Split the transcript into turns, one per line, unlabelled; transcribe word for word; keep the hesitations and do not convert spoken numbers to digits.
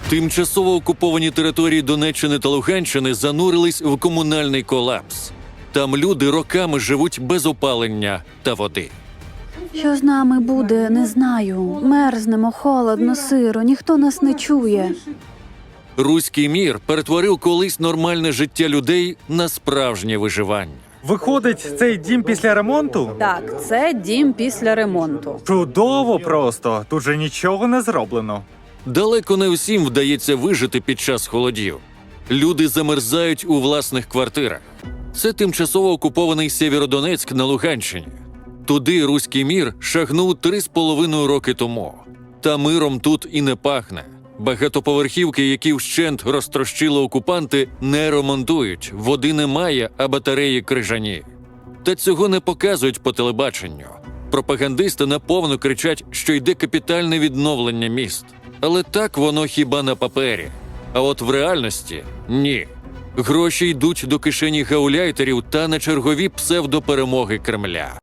Тимчасово окуповані території Донеччини та Луганщини занурились в комунальний колапс. Там люди роками живуть без опалення та води.
Що з нами буде, не знаю. Мерзнемо, холодно, сиро, ніхто нас не чує.
Руський мір перетворив колись нормальне життя людей на справжнє виживання.
Виходить, цей дім після ремонту?
Так, це дім після ремонту.
Чудово просто, тут же нічого не зроблено.
Далеко не всім вдається вижити під час холодів. Люди замерзають у власних квартирах. Це тимчасово окупований Сєвєродонецьк на Луганщині. Туди руський мір шагнув три з половиною роки тому. Та миром тут і не пахне. Багатоповерхівки, які вщент розтрощили окупанти, не ремонтують, води немає, а батареї крижані. Та цього не показують по телебаченню. Пропагандисти наповну кричать, що йде капітальне відновлення міст. Але так воно хіба на папері. А от в реальності – ні. Гроші йдуть до кишені гауляйтерів та на чергові псевдоперемоги Кремля.